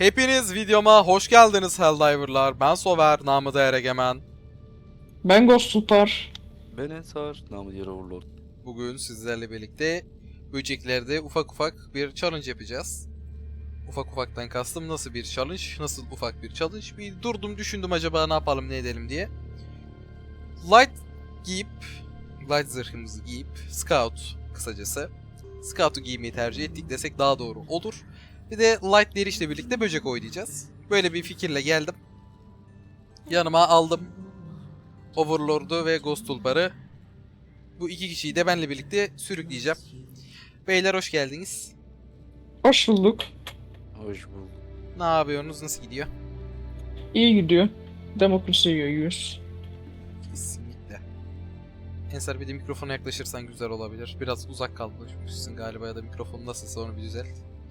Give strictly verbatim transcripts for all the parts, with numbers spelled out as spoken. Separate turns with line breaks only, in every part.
Hepiniz videoma hoş geldiniz Helldiver'lar. Ben Sover, namı değer Egemen.
Ben Ghost Tutar.
Ben Ensar, namı diğer Overlord.
Bugün sizlerle birlikte böceklerde ufak ufak bir challenge yapacağız. Ufak ufaktan kastım nasıl bir challenge, nasıl ufak bir challenge. Bir durdum düşündüm acaba ne yapalım ne edelim diye. Light giyip, light zırhımızı giyip, Scout kısacası. Scout'u giymeyi tercih ettik desek daha doğru olur. Bir de Light derişle birlikte böcek oynayacağız. Böyle bir fikirle geldim. Yanıma aldım Overlord'u ve Ghost Tulpar'ı. Bu iki kişiyi de benle birlikte sürükleyeceğim. Beyler hoş geldiniz.
Hoş bulduk.
Hoş bulduk.
Ne yapıyorsunuz? Nasıl gidiyor?
İyi gidiyor. Demokrasiye yayıyoruz.
Kesinlikle. Ensar bir de mikrofona yaklaşırsan güzel olabilir. Biraz uzak kalmışsın galiba ya da mikrofon nasılsa onu bir düzelt.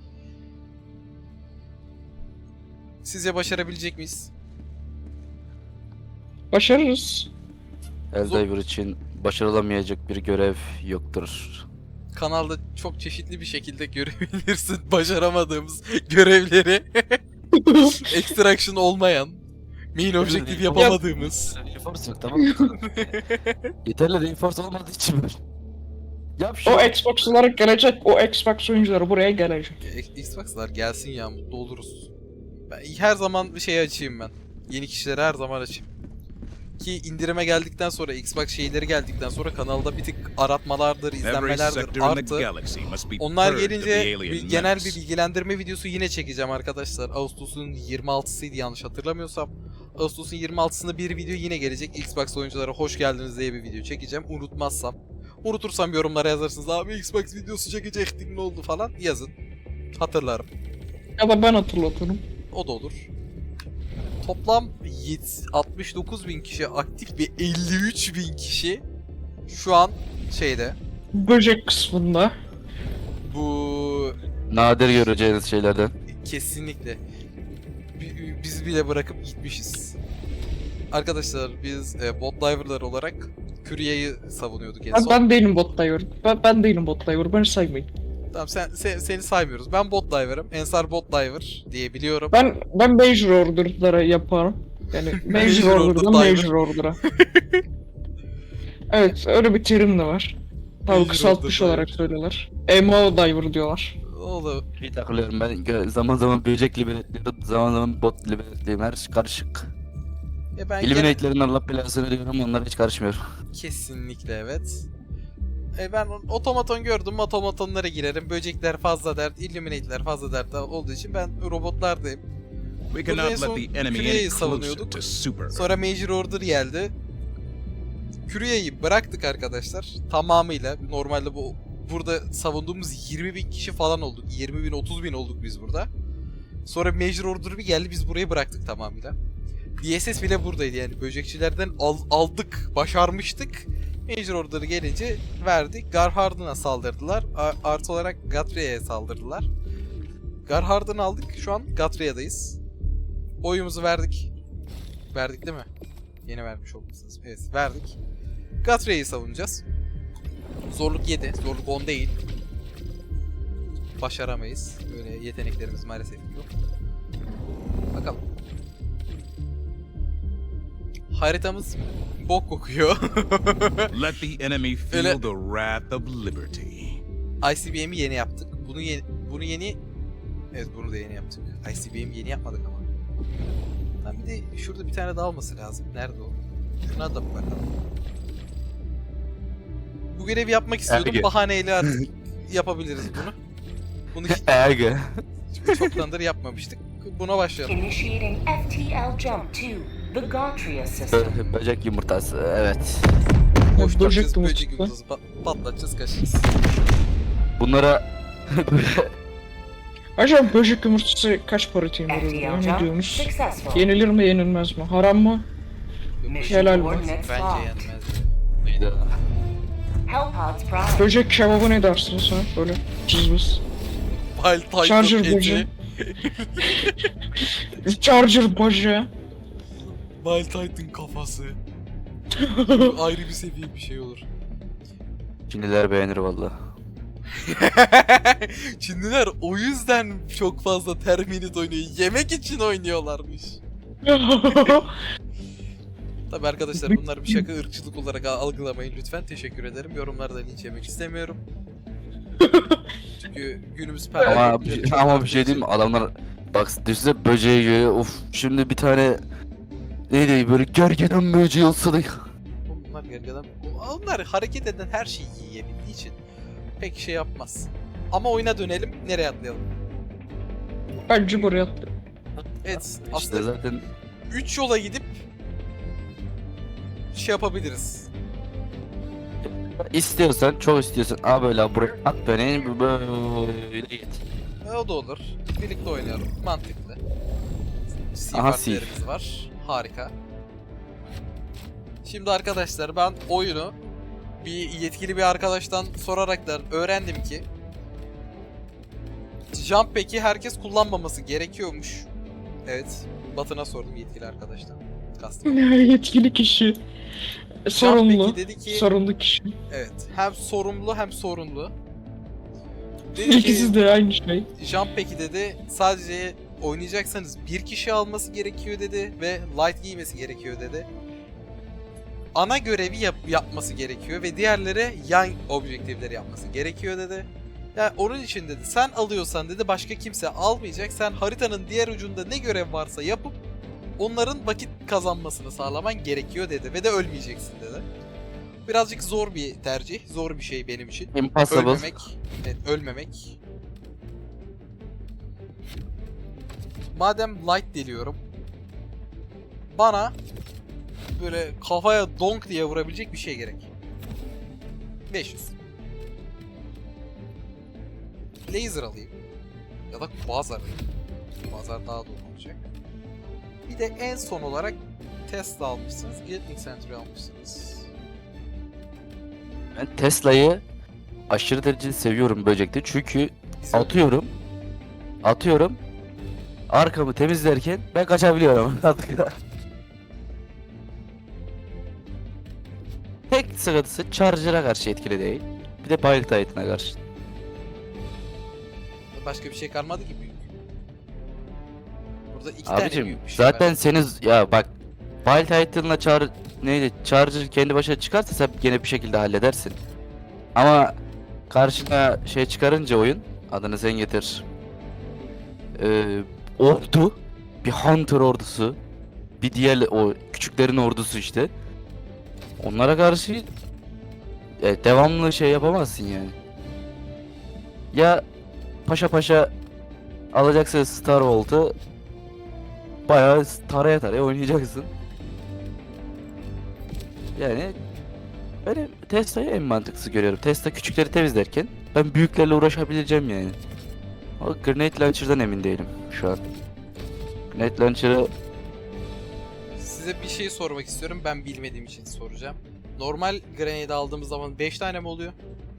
Sizce başarabilecek miyiz?
Başarırız.
Helldiver için başarılamayacak bir görev yoktur.
Kanalda çok çeşitli bir şekilde görebilirsin başaramadığımız görevleri. Extraction olmayan, main objective yapamadığımız.
Reinforce yok, tamam mı? Yeterli reinforce olmadığı için böyle. Yap şu.
O Xbox'lar gelecek. O Xbox oyuncuları buraya gelecek.
E, Xbox'lar gelsin ya, mutlu oluruz. Ben her zaman bir şey açayım ben. Yeni kişilere her zaman açayım. Ki indirime geldikten sonra, Xbox şeyleri geldikten sonra kanalda bir tık aratmalardır, izlenmelerdir arttı. Onlar gelince bir, genel bir bilgilendirme videosu yine çekeceğim arkadaşlar. Ağustos'un yirmi altısıydı yanlış hatırlamıyorsam. Ağustos'un yirmi altısında bir video yine gelecek. Xbox oyunculara hoş geldiniz diye bir video çekeceğim. Unutmazsam. Unutursam yorumlara yazarsınız. Abi Xbox videosu çekecektik ne oldu falan yazın. Hatırlarım.
Ya da ben hatırlatırım.
O da olur. Toplam altmış dokuz bin kişi aktif ve elli üç bin kişi şu an şeyde.
Böcek kısmında.
Bu
Nadir göreceğiniz şeylerden.
kesinlikle. Bi- Biz bile bırakıp gitmişiz. Arkadaşlar biz e, bot diver'lar olarak Küriye'yi savunuyorduk en
Ben,
son.
ben değilim bot diver. Ben, ben değilim bot diver. Beni saymayın.
Tamam sen, sen- seni saymıyoruz. Ben bot diver'ım. Ensar bot diver diye biliyorum.
Ben ben Major Order'lara yaparım. Yani Major
Major
Order'dan
Order
Major Order'a. Evet, öyle bir terim de var. Tabii
Major
kısaltmış
Order
olarak
diver.
söylüyorlar. M O Diver diyorlar.
Oğlum
Bir takılıyorum ben gö- zaman zaman böcek liberatliyorum, zaman zaman bot liberatliyorum, her şey karışık.
e ben gene-
Eliminate'lerin Allah belasını diyorum, onlara hiç karışmıyorum.
Kesinlikle evet. E ben otomaton gördüm, otomatonlara girerim. Böcekler fazla dert, illuminate'ler fazla dert olduğu için ben robotlardayım.
We
Burada en
cannot
son
let the enemy
Küre'yi
any closer
savunuyorduk.
to super.
Sonra Major Order geldi. Küre'yi bıraktık arkadaşlar. Tamamıyla. Normalde bu burada savunduğumuz yirmi bin kişi falan olduk. yirmi bin otuz bin olduk biz burada. Sonra Major Order bir geldi, biz burayı bıraktık tamamıyla. D S S bile buradaydı yani. Böcekçilerden al- aldık, başarmıştık. Major Order'ı gelince verdik. Garhard'ına saldırdılar. A- artı olarak Gatrea'ya saldırdılar. Garhard'ını aldık. Şu an Gatrea'dayız. Oyumuzu verdik. Verdik değil mi? Yeni vermiş olmalısınız. Evet, verdik. Gatrea'yı savunacağız. Zorluk yedi. Zorluk on değil. Başaramayız. Böyle yeteneklerimiz maalesef yok. Bakalım. Haritamız bok kokuyor.
Let the enemy feel
Öyle-
the wrath of liberty.
I C B M'i yeni yaptık. Bunu yeni, bunu yeni... Evet bunu da yeni yaptık. I C B M'i yeni yapmadık ama. Lan bir de şurada bir tane daha olması lazım. Nerede o? Şuna da bir bakalım. Bu görevi yapmak istiyordum.
Erge.
Bahaneyle artık yapabiliriz bunu. Bunu hiç
Erge.
çoktandır yapmamıştık. Buna başlayalım.
Initiating F T L jump to the Gautria system.
Böcek yumurtası, evet.
Boş
Böcek
böcek
yumurtası.
böcek yumurtası pat- patlatacağız kaçacağız.
Bunlara
Acaba böcek yumurtası kaç para temin
F T
ediyor?
L
Ne
jump
diyorsunuz?
successful.
Yenilir mi yenilmez mi? Haram mı?
Mission
Helal be.
coordinates
Bence
locked.
yenmez.
Hellpods prime.
Böcek kebabı ne dersiniz ha? Böyle cızbız.
Wild Titan
Charger
eti.
böceği. Charger böceği.
Wild Titan kafası. Ayrı bir seviye bir şey olur.
Çinliler beğenir valla.
Çinliler o yüzden çok fazla Terminit oynuyor. Yemek için oynuyorlarmış. Tabi arkadaşlar bunlar bir şaka, ırkçılık olarak algılamayın lütfen. Teşekkür ederim. Yorumlarda linç yemek istemiyorum. Çünkü günümüz
Ama,
pervertlikleri çok
ama bir
arttığı
şey diyeyim mi?
için-
Adamlar bak düşünsene böceği görüyor. Of şimdi bir tane neydi böyle gergedan böceği olsa da
Bunlar gergedan. Onlar hareket eden her şeyi yiyebildiği için pek şey yapmaz. Ama oyuna dönelim. Nereye atlayalım?
Bence buraya attı.
Evet,
işte
aslında
zaten
üç yola gidip şey yapabiliriz.
istiyorsan çok istiyorsan a böyle buraya at beni böyle git.
E, o da olur. Birlikte oynayalım. Mantıklı. Sea
Aha,
partilerimiz var. Harika. Şimdi arkadaşlar ben oyunu bir yetkili bir arkadaştan soraraktan öğrendim ki Jump Pack'i herkes kullanmaması gerekiyormuş. Evet. Batına sordum yetkili arkadaştan. Kastım.
Yetkili kişi. Sorumlu.
Pack'i dedi ki
Sorumlu kişi.
evet. Hem sorumlu hem sorunlu. Dedi
İkisi
ki
de aynı şey.
Jump Pack'i dedi sadece oynayacaksanız bir kişi alması gerekiyor dedi ve light giymesi gerekiyor dedi. Ana görevi yap yapması gerekiyor ve diğerlere yan objektifleri yapması gerekiyor dedi. Yani onun için dedi sen alıyorsan dedi başka kimse almayacak. Sen haritanın diğer ucunda ne görev varsa yapıp onların vakit kazanmasını sağlaman gerekiyor dedi ve de ölmeyeceksin dedi. Birazcık zor bir tercih, zor bir şey benim için.
Impossible.
Ölmemek, evet, ölmemek. Madem light deliyorum, bana böyle kafaya donk diye vurabilecek bir şey gerek. beş yüz. Laser alayım. Ya da quasar alayım. Quasar daha doğru olacak. Bir de en son olarak Tesla almışsınız. Gatling Century almışsınız.
Ben Tesla'yı aşırı derecede seviyorum böcekte çünkü
Güzel.
atıyorum atıyorum arkamı temizlerken ben kaçabiliyorum. Tek sıkıntısı Charger'a karşı etkili değil. Bir de Pilot Titan'a karşı.
Başka bir şey kalmadı ki büyük. Burada iki tane
Abicim
büyük bir şey
zaten
var.
seni ya bak Pilot Titan'la Char neydi Charger kendi başına çıkarsa sen gene bir şekilde halledersin. Ama karşına şey çıkarınca oyun adını sen getir. Ee, ordu bir Hunter ordusu bir diğer o küçüklerin ordusu işte. Onlara karşı e, devamlı şey yapamazsın yani. Ya paşa paşa alacaksın Star Volt'u bayağı taraya taraya oynayacaksın. Yani ben Tesla'yı en mantıklısı görüyorum. Tesla küçükleri temizlerken ben büyüklerle uğraşabileceğim yani. O Grenade Launcher'dan emin değilim şu an. Grenade Launcher'ı
Size bir şey sormak istiyorum. Ben bilmediğim için soracağım. Normal grenade aldığımız zaman beş tane mi oluyor?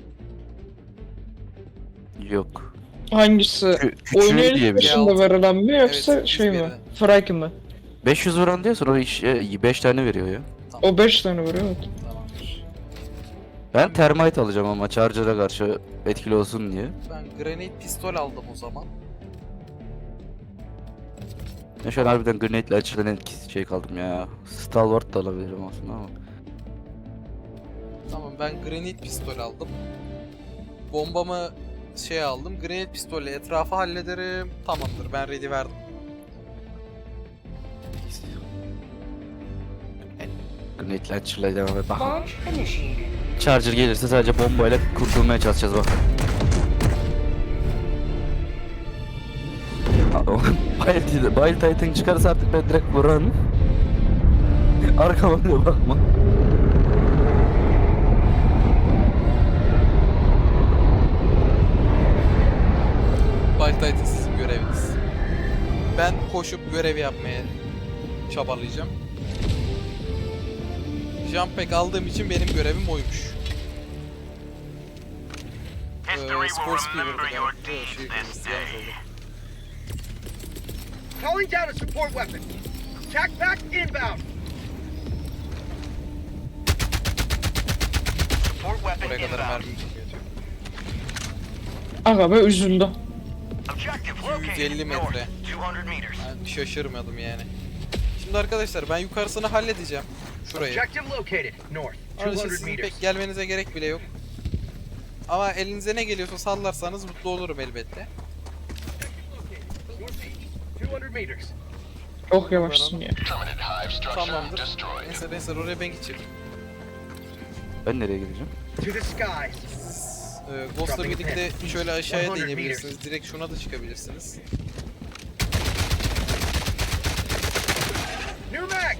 yok.
Hangisi?
Kü
Oyunun
küçüğü diye bir şey.
dışında verilen mi yoksa
Evet,
şey mi?
hiçbirine.
Frike mi?
beş yüz vuran diyorsun o iş beş tane veriyor ya.
O beş tane veriyor evet.
Tamamdır.
Ben Termite alacağım ama Charger'a karşı etkili olsun diye.
Ben grenade pistol aldım o zaman.
Ben şu an harbiden Grenade Launcher'dan etkisi şey kaldım ya. Stalwart da alabilirim aslında ama.
Tamam ben grenade pistol aldım. Bombamı şey aldım. Grenade pistolle etrafı hallederim. Tamamdır ben ready verdim.
Grenade Launcher'la devam et. Bak.
Launch initiated.
Charger gelirse sadece bombayla kurtulmaya çalışacağız bak. Wild, Wild Titan çıkarsa artık ben direkt vuran. Arkama bile bakma.
Wild Titan sizin göreviniz. Ben koşup görevi yapmaya çabalayacağım. Jump pack aldığım için benim görevim oymuş. Ee, Spor Speeder'da galiba. Şey, yanlış oldu.
Calling down a support weapon. Attack back inbound. Support weapon
Oraya kadar
inbound.
mermim çok yetiyor.
Aga be üzüldü.
Objective
yüz elli
located
metre.
north, two hundred meters.
Yani şaşırmadım yani. Şimdi arkadaşlar ben yukarısını halledeceğim. Şurayı.
Objective located north,
Onun
two
için
hundred
sizin
meters.
pek gelmenize gerek bile yok. Ama elinize ne geliyorsa sallarsanız mutlu olurum elbette.
Northeast, two hundred meters.
Çok yavaşsın ya.
Tamamdır. Neyse neyse oraya ben gideceğim.
Ben nereye gideceğim?
To the skies.
Ee, Ghost'la birlikte şöyle aşağıya da inebilirsiniz. Direkt şuna da çıkabilirsiniz.
New mag.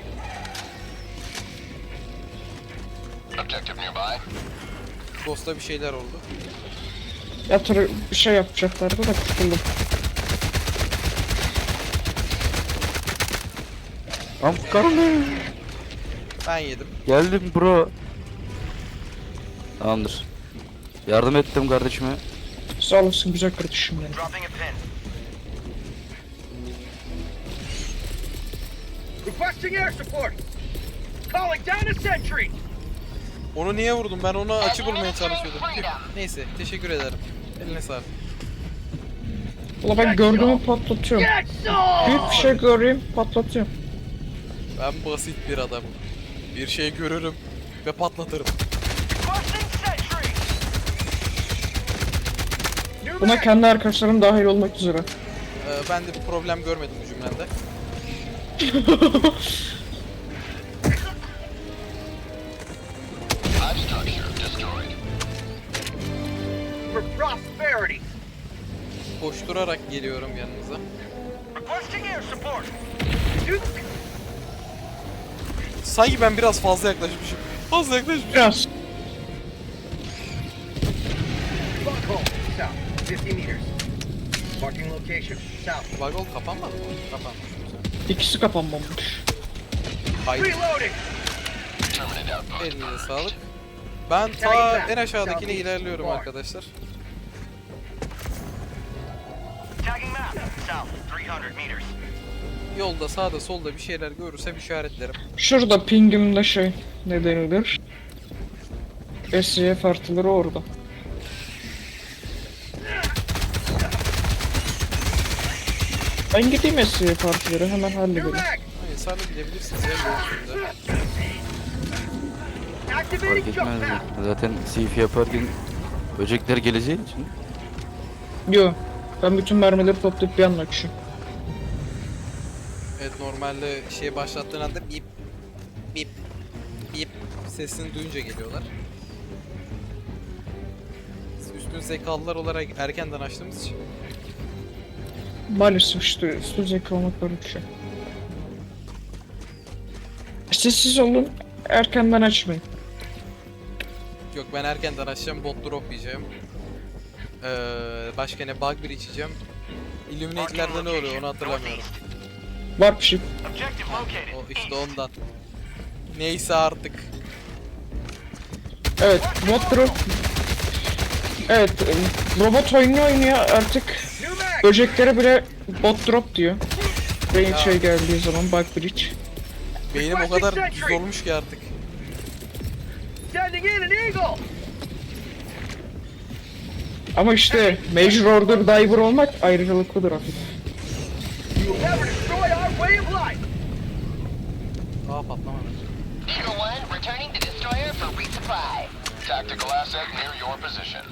Ghost'ta bir şeyler oldu.
Yatır bir şey yapacaklardı da kurtuldum.
Am karnım.
Ben yedim.
Geldim bro. Tamamdır. Yardım ettim kardeşime.
Sağ olasın güzel kardeşim benim.
Dropping a pin. Requesting air support. Calling down a sentry.
Onu niye vurdum? Ben onu açı bulmaya çalışıyordum. Neyse teşekkür ederim. Eline sağlık.
Valla ben gördüğümü patlatıyorum.
Get some.
Büyük bir şey göreyim patlatıyorum.
Ben basit bir adamım. Bir şey görürüm ve patlatırım.
Requesting sentry. New
Buna
mag.
kendi arkadaşlarım dahil olmak üzere.
Ee, ben de bir problem görmedim bu cümlende.
For prosperity.
Koşturarak geliyorum yanınıza.
Requesting air support. Duke.
Sanki ben biraz fazla yaklaşmışım. Fazla yaklaşmışım.
Biraz.
Bunghole. South, fifty meters. Marking location. South.
Vagol kapanmadı mı? Kapanmış.
İkisi kapanmamış.
Hayır.
Reloading.
Elinize sağlık. Ben ta en aşağıdakine ilerliyorum arkadaşlar.
Tagging map. South, three hundred meters.
Yolda sağda solda bir şeyler görürsem işaretlerim.
Şurada pingimde şey ne denilir? S Y F artıları orada. Ben gideyim S Y F artıları hemen
New
halledelim.
mag.
Hayır sarı gidebilirsiniz ya yol üstünde.
Fark
Activating jump
etmez.
pad.
Zaten C F yaparken böcekler geleceği için.
Yo. Ben bütün mermileri toplayıp bir anda açıyorum.
Evet normalde şey başlattığın anda bip bip bip sesini duyunca geliyorlar. Üstün zekalılar olarak erkenden açtığımız için.
Maalesef işte üstü zeka olmak böyle bir şey. Sessiz olun, erkenden açmayın.
Yok ben erkenden açacağım, bot drop yiyeceğim. Ee, başka ne bug bir içeceğim. Illuminate'lerde ne oluyor onu hatırlamıyorum.
Var bir şey.
Objective located.
O işte ondan. Neyse artık.
Evet, bot drop. Evet, robot oyunu oynuyor artık.
New mag.
Böceklere bile bot drop diyor. Rain şey geldiği zaman, bug bridge.
Beynim o kadar düz olmuş ki artık.
Sending in an eagle.
Ama işte Major Order Diver olmak ayrıcalıklıdır artık.
You will never destroy our way of life.
Aa patlamadı.
Eagle One, returning to destroyer for resupply.
Tactical asset near your position.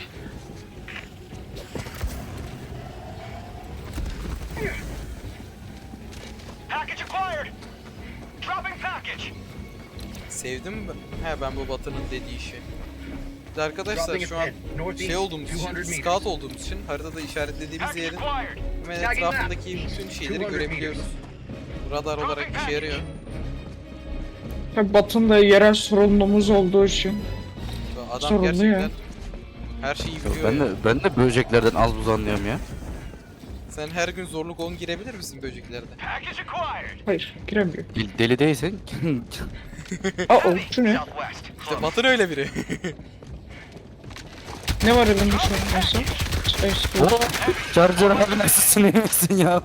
Package acquired. Dropping package.
Sevdim mi? He ben bu Batı'nın dediği işi. Bir de arkadaşlar şu an şey olduğumuz için, scout olduğumuz için haritada işaretlediğimiz
Package
yerin
acquired.
hemen etrafındaki bütün şeyleri görebiliyoruz. Radar olarak işe yarıyor.
Tabi Batı'nın da yerel sorunumuz olduğu için.
Adam
Sorunlu ya.
gerçekten her şeyi biliyor.
Ben
ya.
de ben de böceklerden az buz anlıyorum ya.
Sen her gün zorluk on girebilir misin böceklerde?
Package acquired.
Hayır, giremiyor.
Deli, deli değilsen
Aa, o, şu ne?
Southwest.
İşte Batı'nın öyle biri.
Ne var elimde şu an neyse? Space Force.
o Charger abi nasılsın iyi misin ya?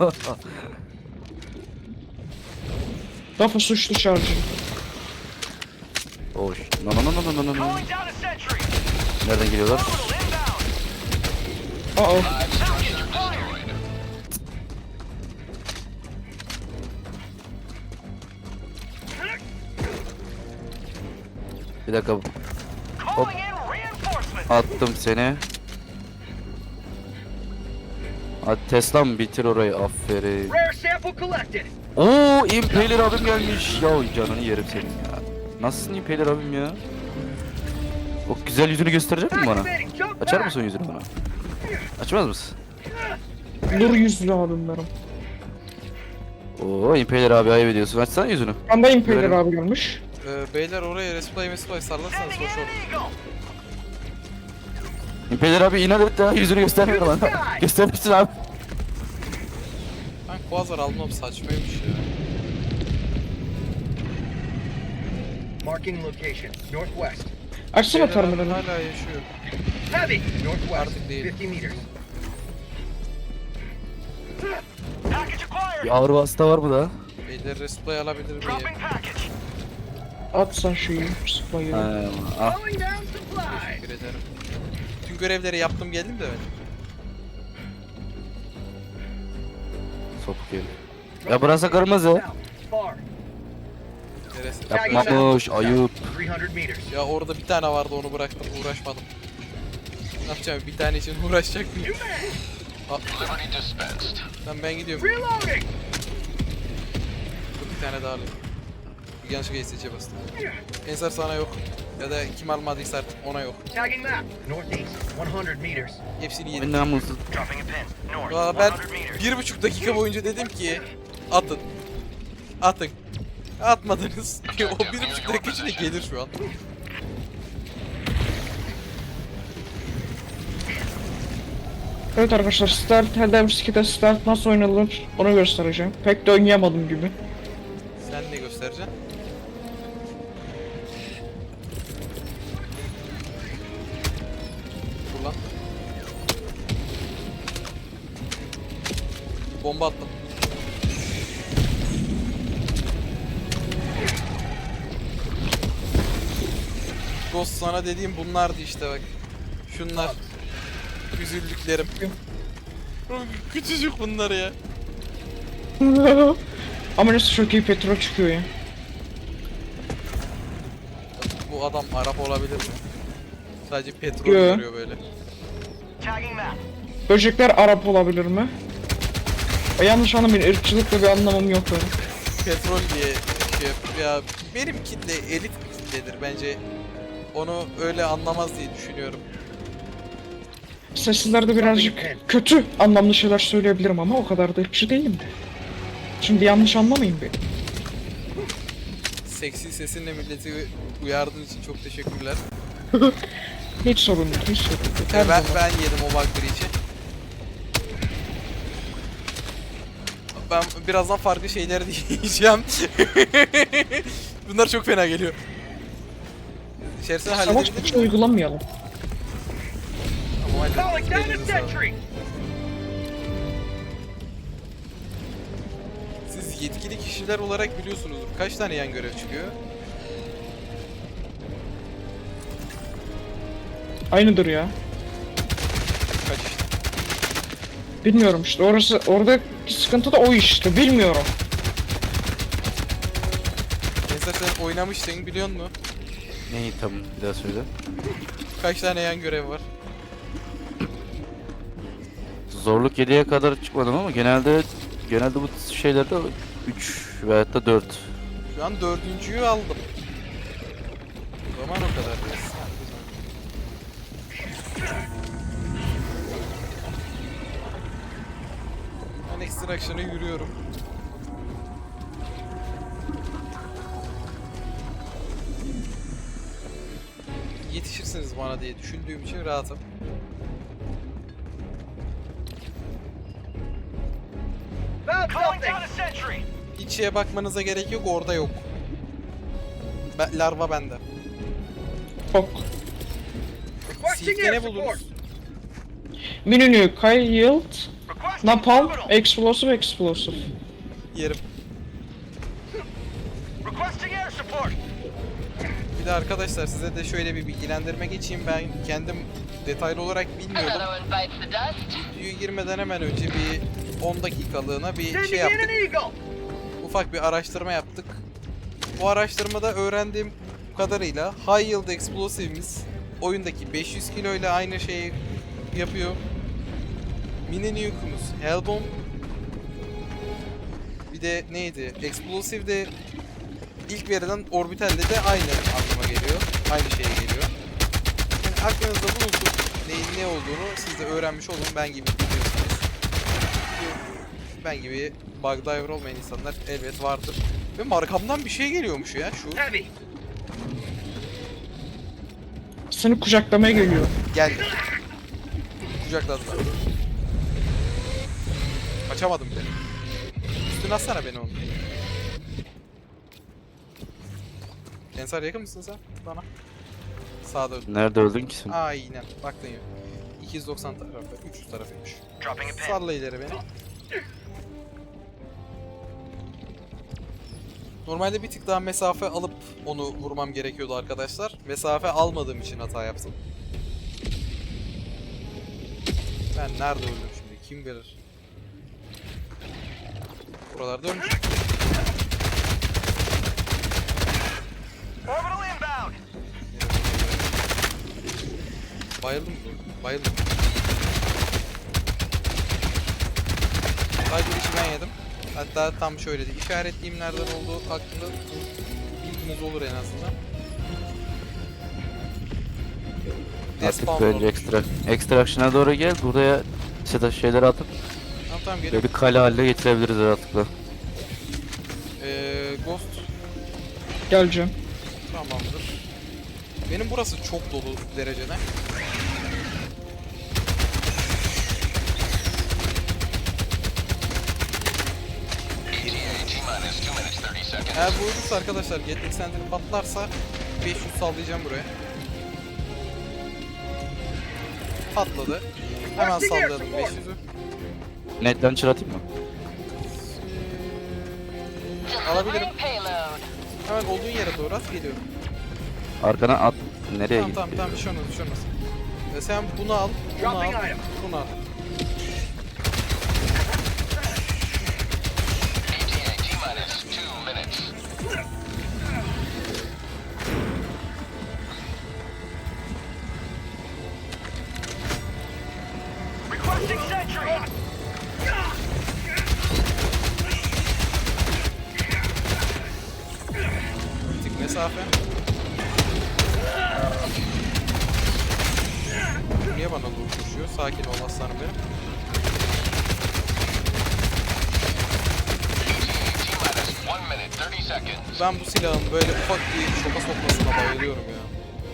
Rafa suçlu şarjı.
Hoş. No no no no no no no.
Calling down a sentry.
Nereden geliyorlar?
Orbital inbound.
Aa.
Five structures destroyed.
Bir dakika. Hop.
Calling in reinforcements.
Attım seni. Hadi Tesla'm bitir orayı, aferin.
Rare sample collected.
Oo, Impaler abim gelmiş. Ya canını yerim senin ya. Nasılsın Impaler abim ya? O güzel yüzünü gösterecek misin bana?
Activating jump
Açar
back.
mısın yüzünü bana? Açmaz mısın?
Nur yüzlü abim benim.
Oo, Impaler abi ayıp ediyorsun. Açsana yüzünü.
Anda Impaler
Görelim.
abi gelmiş.
Ee, beyler oraya resplay mesplay sallarsanız
Sending
hoş
in
olur.
an eagle.
Impaler abi inat et ya, yüzünü göstermiyor bana. Göstermişsin abi.
Ben Quasar almam saçmaymış ya.
Marking location. Northwest.
Açsana
Beyler abi
terminali.
hala yaşıyor.
Heavy. Northwest.
Artık değil.
fifty meters. Package acquired.
Bir ağır vasıta var mı da?
Beyler resplay alabilir miyim?
Dropping package.
At sen şeyi. Sıplayı.
Ha, ah.
Calling down supplies.
Teşekkür ederim. Tüm görevleri yaptım geldim de ben.
Sopuk herif. Ya burası kırmızı.
Far.
Neresi?
Yapmamış, ayıp.
three hundred meters.
Ya orada bir tane vardı onu bıraktım uğraşmadım. Ne yapacağım bir tane için uğraşacak mıyım?
Liberty dispensed.
Lan ben gidiyorum.
Reloading.
Dur bir tane daha alayım. Bir yanlışlıkla S C'ye bastım. Ensar sana yok. Ya da kim almadıysa artık ona yok.
Tagging map. Northeast. one hundred meters.
Hepsini yedim.
Ben namussuz.
Dropping a pin. North.
Valla ben
one hundred meters.
bir buçuk dakika boyunca dedim ki atın. Atın. Atmadınız. O bir buçuk dakika içinde gelir şu an.
Evet arkadaşlar, Start Helldivers ikide Start nasıl oynanır onu göstereceğim. Pek de oynayamadım gibi.
Sen ne göstereceksin? Dur lan. Bomba attım. Ghost sana dediğim bunlardı işte bak. Şunlar. Üzüldüklerim. Küçücük bunlar ya.
Ama nasıl çok iyi petrol çıkıyor ya.
Bu adam Arap olabilir mi? Sadece petrol
Yo.
görüyor böyle.
Tagging map.
Böcekler Arap olabilir mi? E, yanlış anlamayın, ırkçılıkla bir anlamım yok benim.
Petrol diye şey yapıyor. Ya benim kitle elit bir kitledir bence. Onu öyle anlamaz diye düşünüyorum.
Seslerde birazcık kötü anlamlı şeyler söyleyebilirim ama o kadar da ırkçı değilim. Şimdi yanlış anlamayın beni.
Seksi sesinle milleti uyardığın için çok teşekkürler.
Hiç sorun değil, hiç sorun değil. Her
Ya ben,
zaman.
ben yedim o bakları için. Ben birazdan farklı şeyler diyeceğim. Bunlar çok fena geliyor. İçerisine
Savaş
halledebilir
gücü
miyim?
uygulamayalım.
Tamam,
Calling
hallederiz.
down a
Elinize sağlık.
sentry.
Siz yetkili kişiler olarak biliyorsunuzdur. Kaç tane yan görev çıkıyor?
Aynıdır ya.
Kaç işte?
Bilmiyorum işte, orası oradaki sıkıntı da o işte, bilmiyorum.
Mesela sen oynamıştın biliyor musun?
Neyi tam bir daha söyle.
Kaç tane yan görev var?
Zorluk yediye kadar çıkmadım ama genelde genelde bu şeylerde üç veyahut da dört.
Şu an dördüncüyü aldım. O zaman o kadar. Ben extraction'a yürüyorum. Yetişirsiniz bana diye düşündüğüm için rahatım.
Found something. Down a sentry.
Hiç şeye bakmanıza gerek yok, orada yok. Ben, larva bende.
Ok.
Requesting
Silk'te
air
ne
support.
buldunuz?
Minünü, Kyle Yield,
Requesting
Napalm,
terminal.
Explosive, Explosive.
Yerim.
Requesting air support.
Bir de arkadaşlar size de şöyle bir bilgilendirme geçeyim. Ben kendim detaylı olarak bilmiyordum.
Another one bites the dust.
Videoya girmeden hemen önce bir on dakikalığına bir
Sending
şey
in an
yaptık.
eagle.
Ufak bir araştırma yaptık. Bu araştırmada öğrendiğim kadarıyla High Yield Explosive'imiz oyundaki beş yüz kilo ile aynı şeyi yapıyor. Mini Nuke'umuz Hellbomb. Bir de neydi? Explosive de ilk verilen Orbital'de de aynı anlama geliyor. Aynı şeye geliyor. Yani aklınızda bulunsun neyin ne olduğunu siz de öğrenmiş olun. Ben gibi biliyorsunuz. Ben gibi bug diver olmayan insanlar elbet vardır. Ve markamdan bir şey geliyormuş ya şu.
Heavy.
Seni kucaklamaya geliyor.
Geldi. Kucakladılar. Kaçamadım bile. Üstüne atsana beni onu. Ensar yakın mısın sen bana? Sağda öldüm.
Nerede öldün ki sen?
Aynen. Baktın ya. iki yüz doksan tarafı, üç yüz tarafıymış.
Dropping a pin.
Salla ileri beni. Normalde bir tık daha mesafe alıp onu vurmam gerekiyordu arkadaşlar. Mesafe almadığım için hata yaptım. Ben nerede öldüm şimdi? Kim bilir? Buralarda ölmüş.
Orbital inbound.
Bayıldım mı? Bayıldım. Sadece işi ben yedim. Hatta tam şöyle de işaretleyeyim nereden olduğu hakkında bilginiz olur en azından.
Artık
Despawn
bence
olmuş.
ekstra, extraction'a doğru gel. Buraya işte şeyleri atıp
Tamam tamam
böyle
geliyorum.
bir kale haline getirebiliriz rahatlıkla.
Ee, Ghost
Geleceğim.
tamamdır. Benim burası çok dolu derecede.
E T A T-minus two minutes thirty seconds.
Eğer bu olursa arkadaşlar Gatling Center patlarsa beş yüz sallayacağım buraya. Patladı. Hemen salladım beş yüzü.
Netten çıratayım mı?
Alabilirim.
Delivering payload.
Hemen olduğun yere doğru at geliyorum.
Arkana at. Nereye
Tamam
gitti?
tamam tamam bir şey olmaz bir şey olmaz. Ee, sen bunu al, bunu al,
Dropping item.
bunu al.
E T A T-minus two minutes.
Requesting sentry.
Bir tık mesafe. Niye bana doğru koşuyor? Sakin ol aslanım benim.
T-minus one minute thirty seconds.
Ben bu silahın böyle ufak bir şoka sokmasına bayılıyorum ya.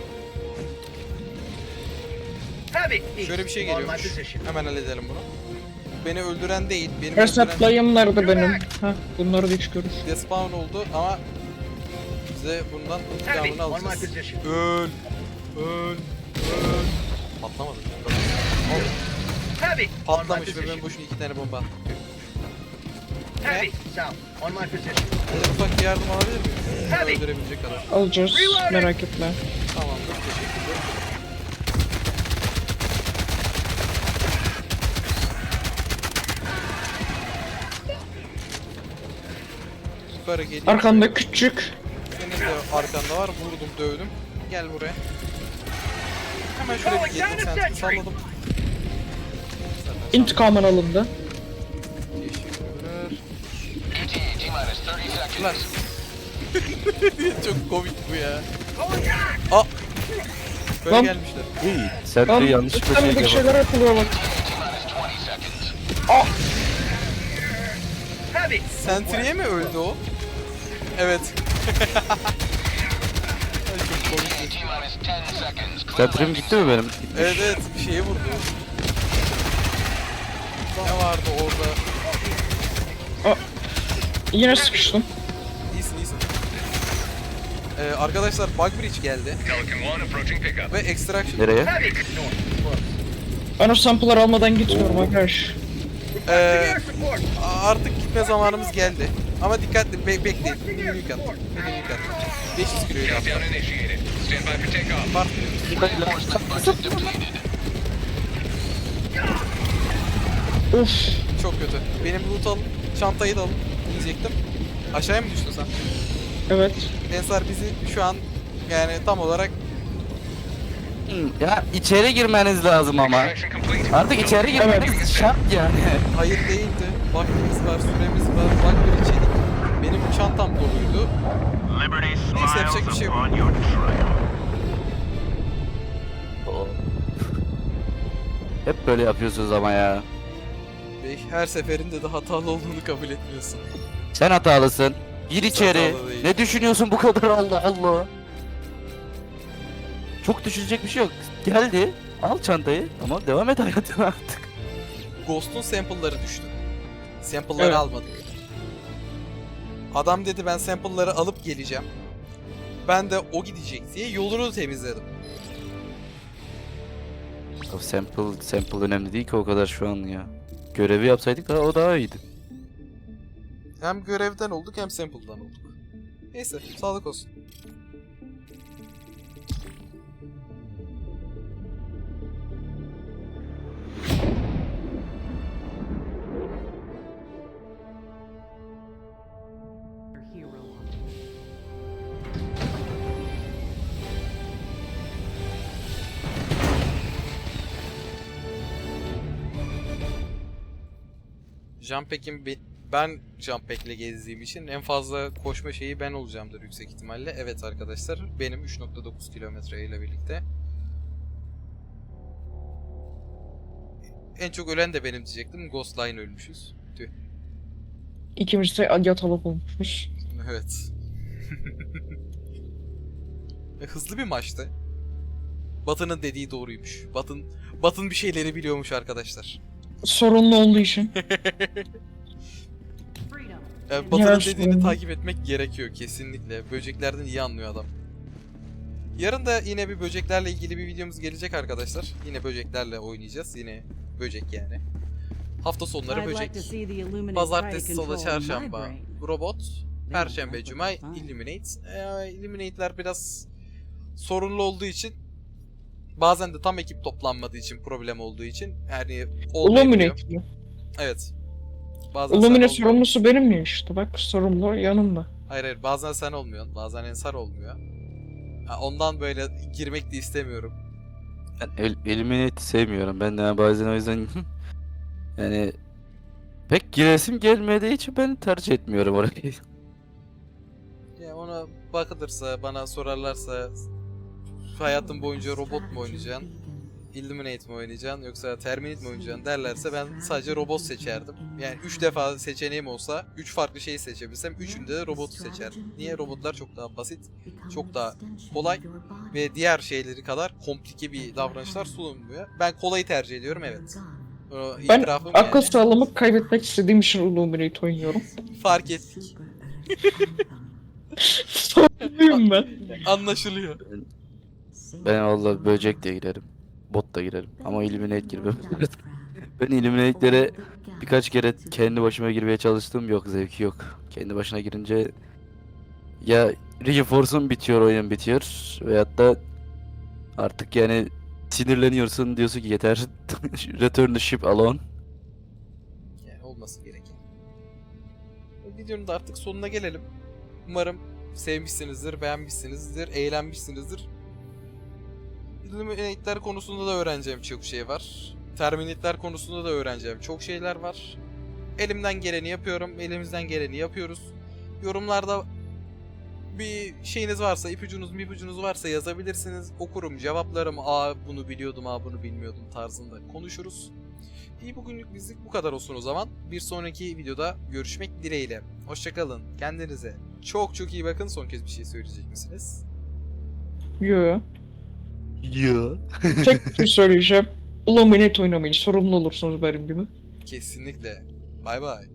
Heavy.
Şöyle bir şey
On my
geliyormuş.
position.
Hemen halledelim bunu. Beni öldüren değil, benim öldüren
Reseptlayım nerede benim? Heh, bunları da çıkıyoruz.
despawn oldu ama bize bundan
Heavy.
intikamını
On my
alacağız.
position.
Öl, öl, öl. Patlamadı.
Heavy. On my
Patlamış ve ben
position.
boşuna iki tane bomba attım.
Heavy. South. On my position.
Böyle ufak bir yardım alabilir miyim? Beni
Tabii.
öldürebilecek kadar.
Alacağız. Merak etme.
Tamamdır, teşekkürler. Yukarı geliyor.
Arkanda küçük.
Senin de arkanda var. Vurdum, dövdüm. Gel buraya. Hemen şöyle bir yedim sen salladım.
İntikamın alındı.
Teşekkürler.
E T A T-minus thirty
Lan.
seconds.
Çok komik bu ya. Aa! Böyle
Lan.
gelmişler.
Sen
Lan
de yanlışlıkla şey
üstteki
yapalım.
şeyler yapılıyor bak.
T-minus twenty seconds.
Heavy.
Sentry'e mi öldü o? Evet. Ay, çok komik.
T-minus ten seconds.
Sentrim gitti mi benim?
Evet evet bir şeye vurdu. Ne vardı orada?
Yine sıkıştım.
İyisin iyisin. Ee, arkadaşlar Bug Bridge geldi
Pelican one approaching pickup.
ve Extraction.
Nereye?
Heavy. North. Close.
Ben o sample'ları almadan gitmiyorum arkadaş.
Ee,
Air support!
artık gitme zamanımız geldi. Ama dikkatli be bekleyin. Minimum kat. Minimum kat. beş yüz kiloydu hatta.
Countdown initiated. Stand by for takeoff.
Var.
Reinforcement budget depleted.
Of.
Çok kötü. Benim loot alın. Çantayı da alın. Diyecektim. Aşağıya mı düştün sen?
Evet.
Ensar bizi şu an yani tam olarak
Ya içeri girmeniz lazım ama.
Extraction complete.
Artık içeri girmeniz şart yani.
hayır değildi. Vaktimiz var, süremiz var. Bak bir içerik. Benim çantam doluydu. Neyse yapacak bir şey yok.
Hep böyle yapıyorsunuz ama ya.
Bey, her seferinde de hatalı olduğunu kabul etmiyorsun.
Sen hatalısın. Gir içeri.
hatalı değil.
Ne düşünüyorsun bu kadar, Allah Allah. Çok düşünecek bir şey yok. Geldi. Al çantayı. Tamam, devam et hayatına artık.
Ghost'un sample'ları düştü. Sample'ları
Evet.
almadık. Adam dedi ben sample'ları alıp geleceğim. Ben de o gidecek diye yolunu temizledim.
O sample, sample önemli değil ki o kadar şu an ya. Görevi yapsaydık daha, o daha iyiydi.
Hem görevden olduk hem sample'dan olduk. Neyse, sağlık olsun. Jumppack'im be- ben Jumppack'le gezdiğim için en fazla koşma şeyi ben olacağımdır yüksek ihtimalle. Evet arkadaşlar, benim üç nokta dokuz kilometre ile birlikte. En çok ölen de benim diyecektim. Ghostline ölmüşüz. Tüh.
İkimiz de yatalak olmuşuz.
Evet. E, Hızlı bir maçtı. Batı'nın dediği doğruymuş. Batın Batın bir şeyleri biliyormuş arkadaşlar.
Sorunlu olduğu için.
Yani Batı'nın
Yarış
dediğini
sorunu.
takip etmek gerekiyor kesinlikle. Böceklerden iyi anlıyor adam. Yarın da yine bir böceklerle ilgili bir videomuz gelecek arkadaşlar. Yine böceklerle oynayacağız. Yine böcek yani. Hafta sonları böcek. Pazartesi, salı, çarşamba robot. Perşembe, cuma Illuminate. Ee, Illuminate'ler biraz sorunlu olduğu için, bazen de tam ekip toplanmadığı için, problem olduğu için yani olmayabiliyor.
Illuminate mi?
Evet. Bazen
Illuminate
sen olmuyor.
sorumlusu benim ya işte. Bak sorumlu yanımda.
Hayır hayır, bazen sen olmuyorsun, bazen Ensar olmuyor. Ha, ondan böyle girmek de istemiyorum.
Ben el, Eliminate'i sevmiyorum. Ben de bazen o yüzden yani pek giresim gelmediği için ben tercih etmiyorum orayı.
Ya ona bakılırsa, bana sorarlarsa hayatın boyunca robot mu oynayacaksın, Illuminate mi oynayacaksın yoksa Terminate mi oynayacaksın derlerse ben sadece robot seçerdim. Yani üç defa seçeneğim olsa üç farklı şeyi seçebilsem üçünde de robotu seçerdim. Niye? Robotlar çok daha basit, çok daha kolay ve diğer şeyleri kadar komplike bir davranışlar sunulmuyor. Ben kolayı tercih ediyorum, evet. O
Ben
itirafım
akıl
yani.
sağlamı kaybetmek istediğim için Illuminate oynuyorum.
Fark ettik.
Sorumluyum ben.
Anlaşılıyor.
Ben vallahi böcek de girerim. Bot da girerim. Ama Illuminate girmem. Ben Illuminate'lere birkaç kere kendi başıma girmeye çalıştım. Yok, zevki yok. Kendi başına girince ya Reforce'un bitiyor, oyun bitiyor. Veyahut da artık yani sinirleniyorsun, diyorsun ki yeter. Return the ship alone.
Yani olması gereken. Videonun da artık sonuna gelelim. Umarım sevmişsinizdir, beğenmişsinizdir, eğlenmişsinizdir. Illuminate'ler konusunda da öğreneceğim çok şey var. Terminate'ler konusunda da öğreneceğim çok şeyler var. Elimden geleni yapıyorum, elimizden geleni yapıyoruz. Yorumlarda bir şeyiniz varsa, ipucunuz ipucunuz varsa yazabilirsiniz. Okurum, cevaplarım. Aa bunu biliyordum, aa bunu bilmiyordum tarzında konuşuruz. İyi, bugünlük bizlik bu kadar olsun o zaman. Bir sonraki videoda görüşmek dileğiyle. Hoşçakalın. Kendinize çok çok iyi bakın. Son kez bir şey söyleyecek misiniz?
Yo.
Ya.
Tek bir şey söyleyeceğim. Illuminate oynamayın. Sorumlu olursunuz benim gibi.
Kesinlikle. Bay bay.